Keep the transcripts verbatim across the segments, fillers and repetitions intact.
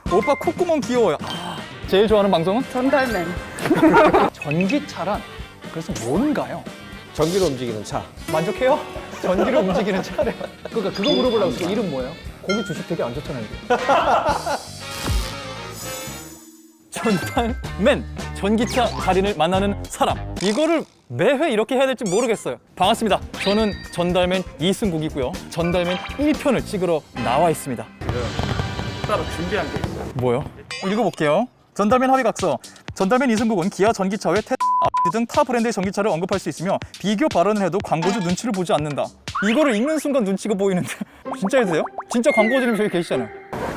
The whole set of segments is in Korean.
오빠 콧구멍 귀여워요. 아, 제일 좋아하는 방송은? 전달맨. 전기차란 그래서 뭔가요? 전기로 움직이는 차. 만족해요? 전기로 움직이는 차래. 그러니까 그거 물어보려고 했어. 이름 뭐예요? 거기 주식 되게 안 좋잖아요. 이게. 전달맨, 전기차 달인을 만나는 사람. 이거를 매회 이렇게 해야 될지 모르겠어요. 반갑습니다. 저는 전달맨 이승국이고요. 전달맨 일 편을 찍으러 나와 있습니다. 따로 준비한 게 있어요. 뭐요? 읽어볼게요. 전달맨 합의각서. 전달맨 이승국은 기아 전기차 외 테슬라, 아우디 등 타 브랜드의 전기차를 언급할 수 있으며 비교 발언을 해도 광고주 눈치를 보지 않는다. 이거를 읽는 순간 눈치가 보이는데 진짜 해도 돼요? 진짜 광고주님 저기 계시잖아요.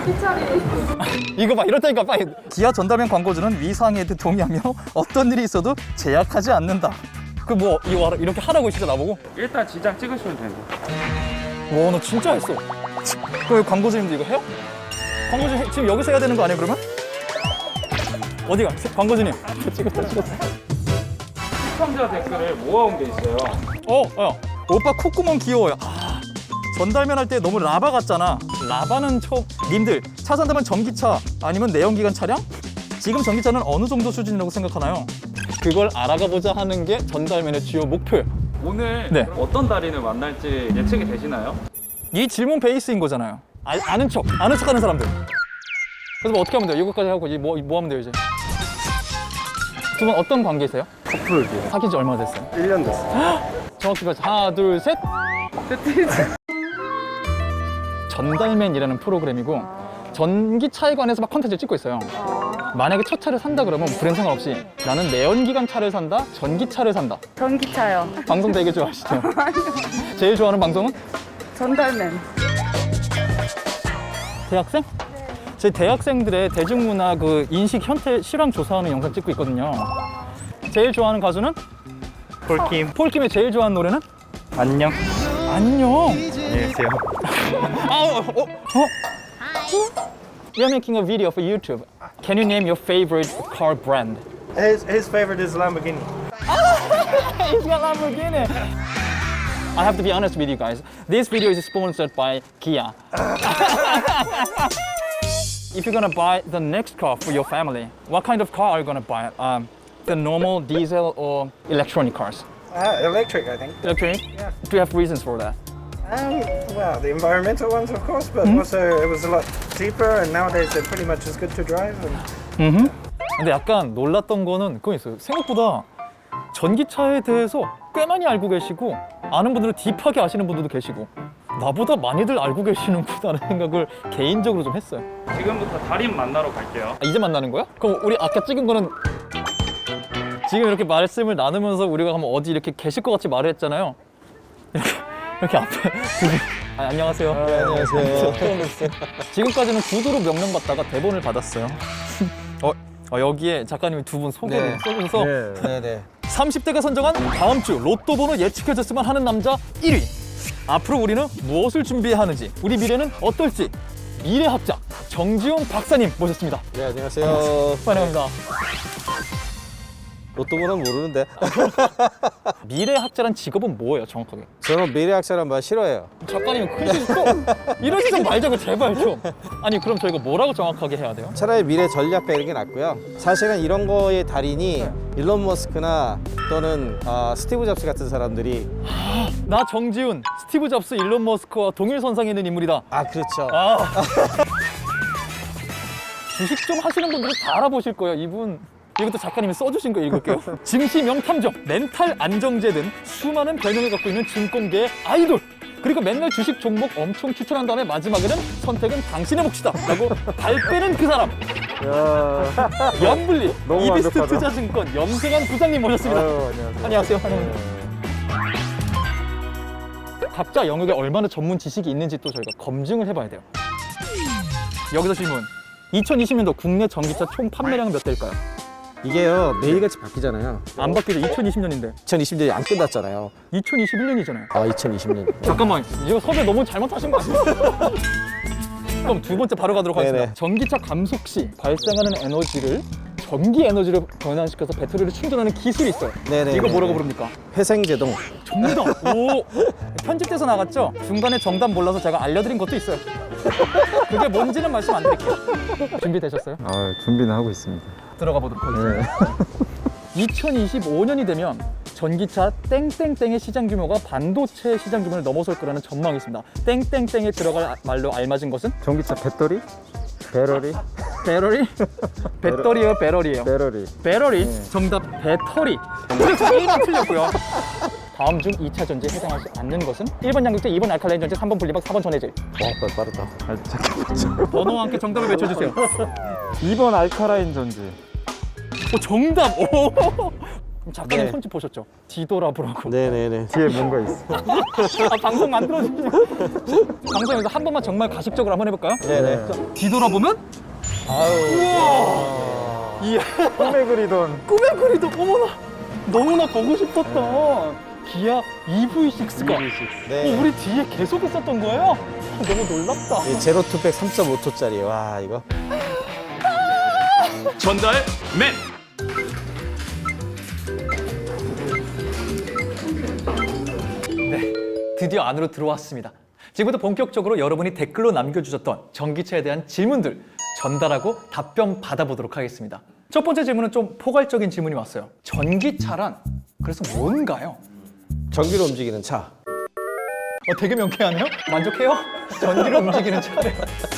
이거 봐, 이렇다니까 빨리. 기아 전달맨 광고주는 위상에 동의하며 어떤 일이 있어도 제약하지 않는다. 그 뭐 이거 알아? 이렇게 하라고 진짜 나보고? 일단 지장 찍으시면 돼요. 와, 너 진짜 했어. 그럼 광고주님도 이거 해요? 광고주 해- 지금 여기서 해야 되는 거 아니에요, 그러면? 어디가? 광고주님. 찍었다, 찍었다. 시청자 댓글을 모아온 게 있어요. 어, 어. 오빠 콧구멍 귀여워요. 아, 전달맨 할 때 너무 라바 같잖아. 라바는 저 님들 차 산다면 전기차 아니면 내연기관 차량? 지금 전기차는 어느 정도 수준이라고 생각하나요? 그걸 알아가 보자 하는 게 전달맨의 주요 목표예요. 오늘 네. 그럼 어떤 달인을 만날지 예측이 되시나요? 이 질문 베이스인 거잖아요. 아, 아는 척, 아는 척하는 사람들. 그래서 뭐 어떻게 하면 돼요? 이거까지 하고 이제 뭐, 뭐 하면 돼요 이제? 두 분 어떤 관계세요? 커플이요. 사귄 지 얼마나 됐어요? 일 년 됐어. 정확히 봐서 하나, 둘, 셋. 전달맨이라는 프로그램이고 전기차에 관해서 막 컨텐츠를 찍고 있어요. 만약에 첫 차를 산다 그러면 브랜드 상관없이 나는 내연기관 차를 산다, 전기차를 산다. 전기차요. 방송 되게 좋아하시죠? 제일 좋아하는 방송은? 전달맨. 대학생? 제 대학생들의 대중문화 그 인식 현태 실황 조사하는 영상 찍고 있거든요. 제일 좋아하는 가수는? 폴킴. 폴킴의 제일 좋아하는 노래는? 안녕. 안녕. 안녕하세요. 아, 어, 어, 어? We are making a video for YouTube. Can you name your favorite car brand? His, his favorite is Lamborghini. It's got Lamborghini. I have to be honest with you guys. This video is sponsored by Kia. If you're gonna buy the next car for your family, what kind of car are you gonna buy? Um, the normal diesel or electronic cars? Uh, electric, I think. Electronic? Yeah. Do you have reasons for that? Um, well, the environmental ones, of course, but also it was a lot cheaper, and nowadays they're pretty much as good to drive. And 근데 약간 놀랐던 거는 그거 있어요. 생각보다 전기차에 대해서 꽤 많이 알고 계시고 아는 분들은 딥하게 아시는 분들도 계시고 나보다 많이들 알고 계시는구나라는 생각을 개인적으로 좀 했어요. 지금부터 달인 만나러 갈게요. 아, 이제 만나는 거야? 그럼 우리 아까 찍은 거는 지금 이렇게 말씀을 나누면서 우리가 한번 어디 이렇게 계실 것 같이 말을 했잖아요. 이렇게, 이렇게 앞에 두 분. 아, 안녕하세요. 네, 안녕하세요. 지금까지는 구두로 명령받다가 대본을 받았어요. 어, 어, 여기에 작가님이 두 분 소개를 네. 써주셔서 네네. 삼십 대가 선정한 다음 주 로또 번호 예측해줬으면 하는 남자 일 위. 앞으로 우리는 무엇을 준비해야 하는지, 우리 미래는 어떨지 미래학자 정지용 박사님 모셨습니다. 네, 안녕하세요. 환영합니다. 로또 번호는 모르는데. 미래학자란 직업은 뭐예요, 정확하게? 저는 미래학자란 말 싫어해요. 작가님이 크리스 또 이러지 좀 말자고 제발 좀. 아니 그럼 저희가 뭐라고 정확하게 해야 돼요? 차라리 미래 전략가 이런 게 낫고요. 사실은 이런 거의 달인이 일론 머스크나 또는 아, 스티브 잡스 같은 사람들이 나 정지훈, 스티브 잡스, 일론 머스크와 동일선상에 있는 인물이다. 아 그렇죠. 아. 주식 좀 하시는 분들은 다 알아보실 거예요. 이분 이것도 작가님이 써주신 거 읽을게요. 증시 명탐정, 멘탈 안정제 등 수많은 별명을 갖고 있는 증권계의 아이돌. 그리고 맨날 주식 종목 엄청 추천한 다음에 마지막에는 선택은 당신의 몫이다 라고 발 빼는 그 사람. 염블리, 너무 이비스트 완벽하다. 투자증권 염승환 부장님 모셨습니다. 아유, 안녕하세요. 안녕하세요. 환영합니다. 각자 영역에 얼마나 전문 지식이 있는지 또 저희가 검증을 해봐야 돼요. 여기서 질문. 이천이십 년도 국내 전기차 총 판매량은 몇 대일까요? 이게요 매일같이 바뀌잖아요. 안 바뀌죠. 이천이십 년인데. 이천이십 년이 안 끝났잖아요. 이천이십일 년이잖아요. 아 이천이십 년. 잠깐만, 이거 섭외 너무 잘못하신 거 아니에요? 그럼 두 번째 바로 가도록 하겠습니다. 네네. 전기차 감속 시 발생하는 에너지를 전기 에너지로 변환시켜서 배터리를 충전하는 기술이 있어요. 네네. 이거 뭐라고 부릅니까? 회생제동. 정답! 오! 편집돼서 나갔죠? 중간에 정답 몰라서 제가 알려드린 것도 있어요. 그게 뭔지는 말씀 안 드릴게요. 준비되셨어요? 아, 준비는 하고 있습니다. 들어가 보도록 하겠습니다. 이천이십오 년이 되면 전기차 땡땡땡의 시장 규모가 반도체 시장 규모를 넘어설 거라는 전망이 있습니다. 땡땡땡에 들어갈 말로 알맞은 것은? 전기차 배터리? 배터리? 배터리? 배터리요, 배터리예요. 배터리. 배터리. 정답 배터리. 그래서 일 번 틀렸고요. 다음 중 이 차 전지에 해당하지 않는 것은? 일 번 양극재, 이 번 알칼라인 전지, 삼 번 분리막, 사 번 전해질. 와, 빠르다. 아, 잠깐만. 번호와 함께 정답을 외쳐주세요. 이 번 알카라인 전지. 오, 정답! 오! 그럼 작가님 네. 손짓 보셨죠? 뒤돌아보라고. 네네네. 뒤에 뭔가 있어. 아, 방송 만들어주세요. 방송에서 한 번만 정말 가식적으로 한번 해볼까요? 네네. 자, 뒤돌아보면? 아유. 우와! 이야, 꿈에 그리던. 꿈에 그리도 어머나! 너무나 보고 싶었던 기아 이브이식스가 네. 어, 우리 뒤에 계속 있었던 거예요? 너무 놀랍다. 이 제로 투백 삼 점 오 초짜리. 와, 이거. 전달 맨. 네, 드디어 안으로 들어왔습니다. 지금부터 본격적으로 여러분이 댓글로 남겨주셨던 전기차에 대한 질문들 전달하고 답변 받아보도록 하겠습니다. 첫 번째 질문은 좀 포괄적인 질문이 왔어요. 전기차란 그래서 뭔가요? 전기로 움직이는 차. 어, 되게 명쾌하네요? 만족해요? 전기로 움직이는 차래.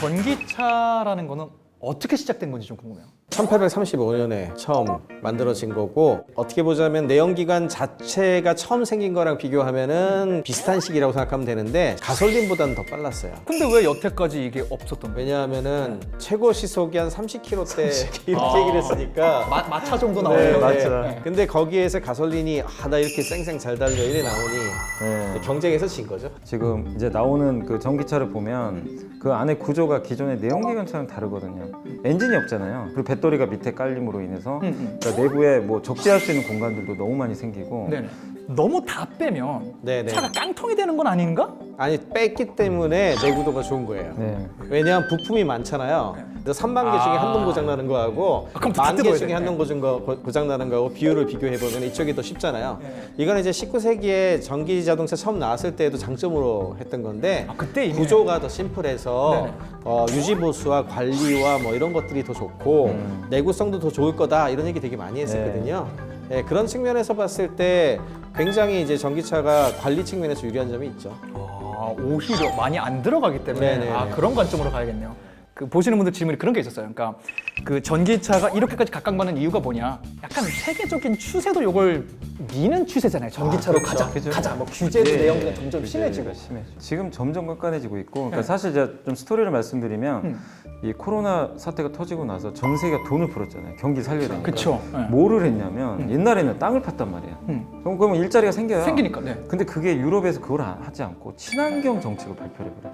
전기차라는 거는 어떻게 시작된 건지 좀 궁금해요. 천팔백삼십오 년에 처음 만들어진 거고, 어떻게 보자면 내연기관 자체가 처음 생긴 거랑 비교하면은 비슷한 시기라고 생각하면 되는데 가솔린보다는 더 빨랐어요. 근데 왜 여태까지 이게 없었던 거예요? 왜냐하면은 최고 시속이 한 삼십 킬로미터대 이렇게 아. 얘기를 했으니까. 마, 마차 정도 네, 나오네요. 맞죠. 네. 근데 거기에서 가솔린이 아, 나 이렇게 쌩쌩 잘 달려 이래 나오니 네. 경쟁에서 진 거죠. 지금 이제 나오는 그 전기차를 보면 그 안에 구조가 기존의 내연기관차랑 다르거든요. 엔진이 없잖아요. 그리고 배터리가 밑에 깔림으로 인해서 음, 음. 그러니까 내부에 뭐 적재할 수 있는 공간들도 너무 많이 생기고 네네. 너무 다 빼면 네네. 차가 깡통이 되는 건 아닌가? 아니 뺐기 때문에 내구도가 좋은 거예요. 네. 왜냐하면 부품이 많잖아요. 그래서 삼만 개 중에 아. 한 동 고장 나는 거하고 아, 그럼 다 만 개 뜯어야 중에 돼. 한 동 고장 거 고장 나는 거하고 비율을 비교해 보면 이쪽이 더 쉽잖아요. 이거는 이제 십구 세기에 전기 자동차 처음 나왔을 때에도 장점으로 했던 건데 아, 그때 이미 구조가 더 심플해서 네네. 어, 유지 보수와 관리와 뭐 이런 것들이 더 좋고 음. 내구성도 더 좋을 거다 이런 얘기 되게 많이 했었거든요. 네, 그런 측면에서 봤을 때 굉장히 이제 전기차가 관리 측면에서 유리한 점이 있죠. 아, 오히려 많이 안 들어가기 때문에 네네네. 아, 그런 관점으로 가야겠네요. 그 보시는 분들 질문이 그런 게 있었어요. 그러니까 그 전기차가 이렇게까지 각광받는 이유가 뭐냐? 약간 세계적인 추세도 이걸 미는 추세잖아요. 전기차로 가자, 그죠. 가자. 뭐 규제도 예, 내용도 예. 점점 규제가 심해지고. 심해져. 지금 점점 깐깐해지고 있고, 그러니까 네. 사실 제가 좀 스토리를 말씀드리면 음. 이 코로나 사태가 터지고 나서 전 세계가 돈을 풀었잖아요. 경기 살려야 되니까. 그쵸. 네. 뭐를 했냐면 옛날에는 땅을 팠단 말이야. 음. 그럼 그러면 일자리가 생겨요. 생기니까. 네. 근데 그게 유럽에서 그걸 안- 하지 않고 친환경 정책을 발표를 해버려요.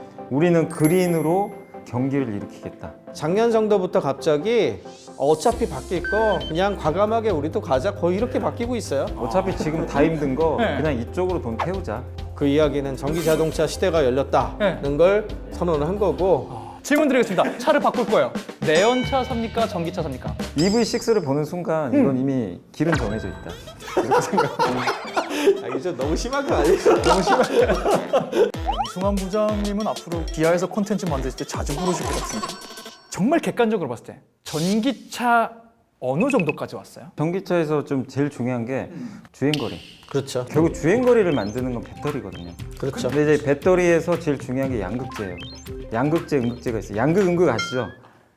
우리는 그린으로 경기를 일으키겠다. 작년 정도부터 갑자기 어차피 바뀔 거 그냥 과감하게 우리도 가자 거의 이렇게 바뀌고 있어요. 어차피 지금 다 힘든 거 네. 그냥 이쪽으로 돈 태우자. 그 이야기는 전기 자동차 시대가 열렸다는 네. 걸 선언을 한 거고 질문 드리겠습니다. 차를 바꿀 거예요. 내연차 삽니까? 전기차 삽니까? 이브이식스를 보는 순간 음. 이건 이미 길은 정해져 있다. 아, 이게 좀 너무 심한 거 아니에요? 너무 심한 이승환 부장님은 앞으로 기아에서 콘텐츠 만드실 때 자주 부르실 것 같습니다. 정말 객관적으로 봤을 때 전기차 어느 정도까지 왔어요? 전기차에서 좀 제일 중요한 게 주행거리. 그렇죠. 결국 주행거리를 만드는 건 배터리거든요. 그렇죠. 근데 이제 배터리에서 제일 중요한 게 양극재예요. 양극재, 음극재가 있어요. 양극, 음극 아시죠?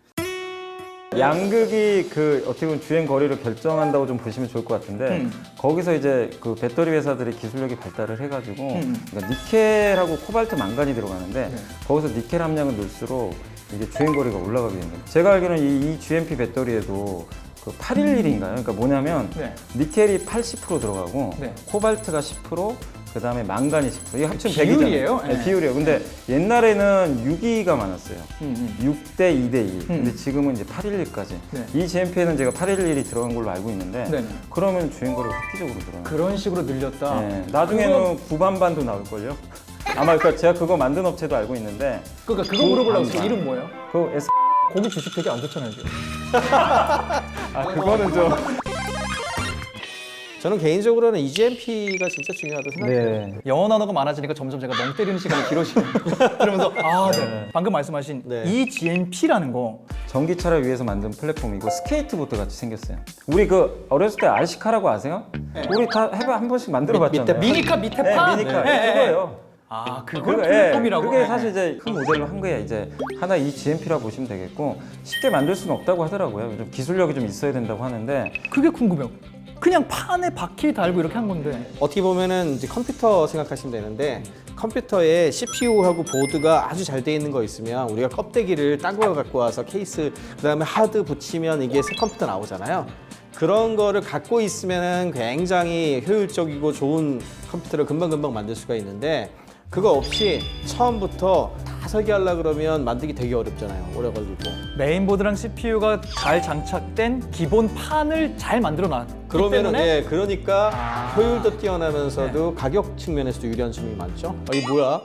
양극이 그 어떻게 보면 주행 거리를 결정한다고 좀 보시면 좋을 것 같은데 음. 거기서 이제 그 배터리 회사들의 기술력이 발달을 해가지고 음. 그러니까 니켈하고 코발트, 망간이 들어가는데 네. 거기서 니켈 함량을 넣을수록 이게 주행 거리가 올라가게 됩니다. 제가 알기로는 이, 이 지엠피 배터리에도 그 팔백십일인가요? 그러니까 뭐냐면 네. 니켈이 팔십 퍼센트 들어가고 네. 코발트가 십 퍼센트 그 다음에 망간이 십 퍼센트 이게 합치면 비율이에요? 백이잖아요. 네, 네. 비율이에요. 근데 옛날에는 육 위가 많았어요. 음, 음. 육 대 이 대 이. 근데 음. 지금은 이제 팔백십일까지. 네. 이 지엠피에는 제가 팔백십일이 들어간 걸로 알고 있는데 네네. 그러면 주행거리가 획기적으로 늘어나요. 그런 식으로 늘렸다. 네, 나중에는 구반반도 나올걸요? 아마 그러니까 제가 그거 만든 업체도 알고 있는데 그러니까 그거 물어보려고 했어요. 반반. 이름 뭐예요? 그 S... 거기 주식 되게 안 좋잖아요 지금. 아 그거는 좀 저는 개인적으로는 이지엠피가 진짜 중요하다고 생각해요. 네. 영어 단어가 많아지니까 점점 제가 멍 때리는 시간이 길어지네요. 그러면서 아, 네. 방금 말씀하신 네. 이지엠피라는 거 전기차를 위해서 만든 플랫폼이고 스케이트보드 같이 생겼어요. 우리 그 어렸을 때 알시카라고 아세요? 우리 다 해봐 한 번씩 만들어봤잖아요. 미니카 밑에 네, 판. 미니카 네, 네. 그거예요. 아, 그걸 그거, 플랫폼이라고. 예, 그게 사실 이제 큰 모델로 한 거예요. 이제 하나 이 지엠피라 보시면 되겠고 쉽게 만들 수는 없다고 하더라고요. 좀 기술력이 좀 있어야 된다고 하는데 그게 궁금해요. 그냥 판에 바퀴 달고 이렇게 한 건데. 어떻게 보면은 이제 컴퓨터 생각하시면 되는데 컴퓨터에 씨피유하고 보드가 아주 잘 돼 있는 거 있으면 우리가 껍데기를 딴 거 갖고 와서 케이스 그다음에 하드 붙이면 이게 새 컴퓨터 나오잖아요. 그런 거를 갖고 있으면은 굉장히 효율적이고 좋은 컴퓨터를 금방금방 만들 수가 있는데 그거 없이 처음부터 다 설계하려고 그러면 만들기 되게 어렵잖아요. 오래 걸리고. 메인보드랑 씨피유가 잘 장착된 기본 판을 잘 만들어 놨기 그러면은 때문에 예, 그러니까 아. 효율도 뛰어나면서도 가격 측면에서도 유리한 점이 많죠. 아, 이 뭐야?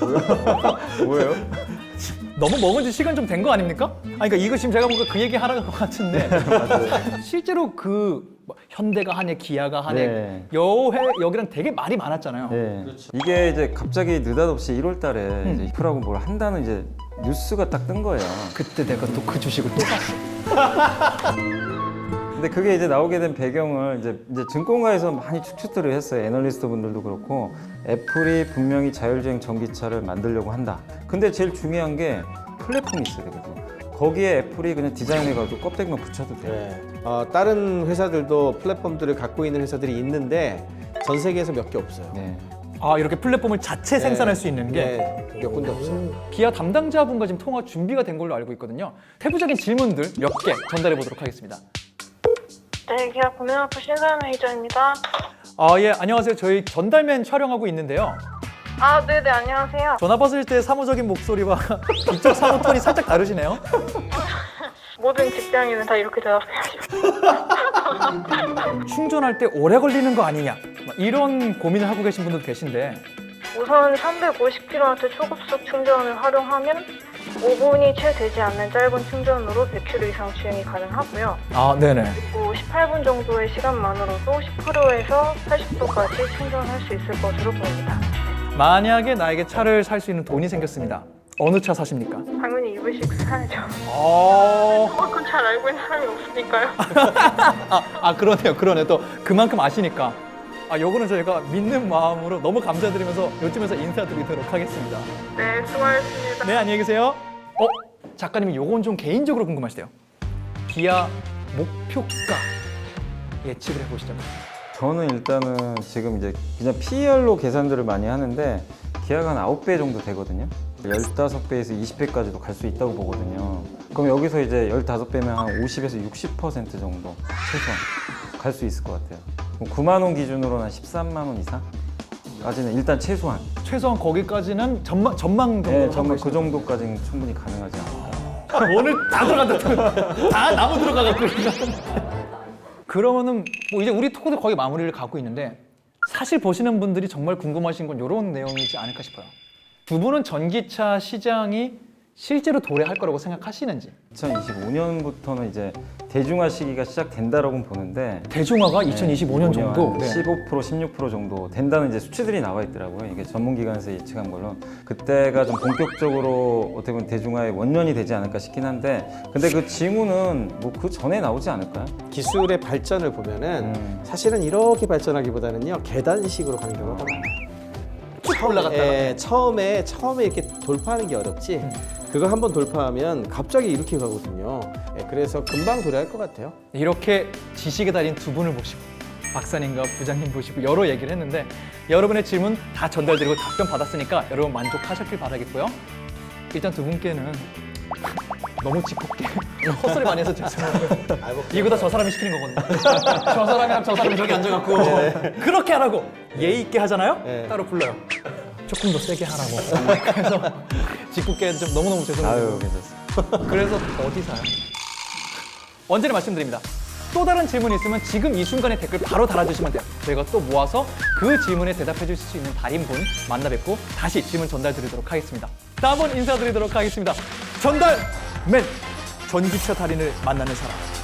뭐예요? 너무 먹은 지 시간 좀 된 거 아닙니까? 아니, 그러니까 이거 지금 제가 뭔가 그 얘기 하라는 것 같은데 실제로 그 뭐 현대가 하네, 기아가 하네, 네. 여해 여기랑 되게 말이 많았잖아요. 네. 이게 이제 갑자기 느닷없이 일월 달에 이제 이프라고 뭘 한다는 이제 뉴스가 딱 뜬 거예요. 그때 내가 또 그 주식을 또 샀어. 근데 그게 이제 나오게 된 배경을 이제, 이제 증권가에서 많이 추측들을 했어요. 애널리스트 분들도 그렇고 애플이 분명히 자율주행 전기차를 만들려고 한다. 근데 제일 중요한 게 플랫폼이 있어야 되거든요. 거기에 애플이 그냥 디자인해가지고 껍데기만 붙여도 돼요. 네. 어, 다른 회사들도 플랫폼들을 갖고 있는 회사들이 있는데 전 세계에서 몇 개 없어요. 네. 아, 이렇게 플랫폼을 자체 생산할 수 있는 게 네, 몇 군데 없어요. 기아 담당자분과 지금 통화 준비가 된 걸로 알고 있거든요. 세부적인 질문들 몇 개 전달해 보도록 하겠습니다. 네, 기아 구매학부 신사연 매니저입니다. 아, 예, 안녕하세요. 저희 전달맨 촬영하고 있는데요. 아, 네네, 안녕하세요. 전화 받을 때 사무적인 목소리와 이쪽 사무 톤이 살짝 다르시네요. 모든 직장인은 다 이렇게 대답해야죠. 충전할 때 오래 걸리는 거 아니냐, 막 이런 고민을 하고 계신 분들도 계신데 우선 삼백오십 킬로와트 초급속 충전을 활용하면 오 분이 채 되지 않는 짧은 충전으로 백 킬로미터 이상 주행이 가능하고요. 아, 네네. 그리고 십팔 분 정도의 시간만으로도 십 퍼센트에서 팔십 도까지 충전할 수 있을 것으로 보입니다. 만약에 나에게 차를 살 수 있는 돈이 생겼습니다. 어느 차 사십니까? 당연히 이브식스 사야죠. 어... 그건 잘 알고 있는 사람이 없으니까요. 아, 아, 그러네요. 그러네. 또 그만큼 아시니까. 아, 요거는 저희가 믿는 마음으로 너무 감사드리면서 요쯤에서 인사드리도록 하겠습니다. 네, 수고하셨습니다. 네, 안녕히 계세요. 어? 작가님이 요건 좀 개인적으로 궁금하시대요. 기아 목표가 예측을 해보시죠. 저는 일단은 지금 이제 그냥 피이알로 계산들을 많이 하는데 기아가 한 아홉 배 정도 되거든요. 십오 배에서 이십 배까지도 갈 수 있다고 보거든요. 그럼 여기서 이제 십오 배면 한 오십에서 육십 퍼센트 정도 최소한 갈 수 있을 것 같아요. 구만 원 기준으로는 한 십삼만 원 이상까지는 일단 최소한. 최소한 거기까지는 전망, 전망 정도로 네, 하고 정말 그 계십니다. 정도까지는 충분히 가능하지 않을까. 오늘 다 들어간다. 다 나무 들어가갖고. 그러면은 뭐 이제 우리 토크도 거의 마무리를 가고 있는데 사실 보시는 분들이 정말 궁금하신 건 이런 내용이지 않을까 싶어요. 두 분은 전기차 시장이 실제로 도래할 거라고 생각하시는지. 이천이십오 년부터는 이제 대중화 시기가 시작된다라고 보는데 대중화가 이천이십오 년 정도. 한 네. 십오 퍼센트, 십육 퍼센트 정도 된다는 이제 수치들이 나와 있더라고요. 이게 전문기관에서 예측한 걸로. 그때가 좀 본격적으로 어떻게 보면 대중화의 원년이 되지 않을까 싶긴 한데 근데 그 징후는 뭐 그 전에 나오지 않을까요? 기술의 발전을 보면은 음. 사실은 이렇게 발전하기보다는요 계단식으로 가는 경우가 많아요. 쭉 올라갔다가. 예, 처음에 처음에 이렇게 돌파하는 게 어렵지. 그거 한번 돌파하면 갑자기 이렇게 가거든요. 예, 그래서 금방 도래할 것 같아요. 이렇게 지식에 달인 두 분을 모시고 박사님과 부장님 모시고 여러 얘기를 했는데 여러분의 질문 다 전달드리고 답변 받았으니까 여러분 만족하셨길 바라겠고요. 일단 두 분께는 너무 짓궂게 헛소리 많이 해서 죄송해요. 이거 다 저 사람이 시키는 거거든요. 저 사람이랑 저 사람이 저기 앉아갖고 그렇게 하라고 예의 있게 하잖아요. 네. 따로 불러요. 조금 더 세게 하라고. 그래서 짓궂게 좀 너무너무 죄송해요. 아유, 괜찮습니다. 그래서 어디 사요? 언제나 말씀드립니다. 또 다른 질문이 있으면 지금 이 순간에 댓글 바로 달아주시면 돼요. 저희가 또 모아서 그 질문에 대답해 주실 수 있는 달인분 만나 뵙고 다시 질문 전달 드리도록 하겠습니다. 다음번 인사드리도록 하겠습니다. 전달맨! 전기차 달인을 만나는 사람.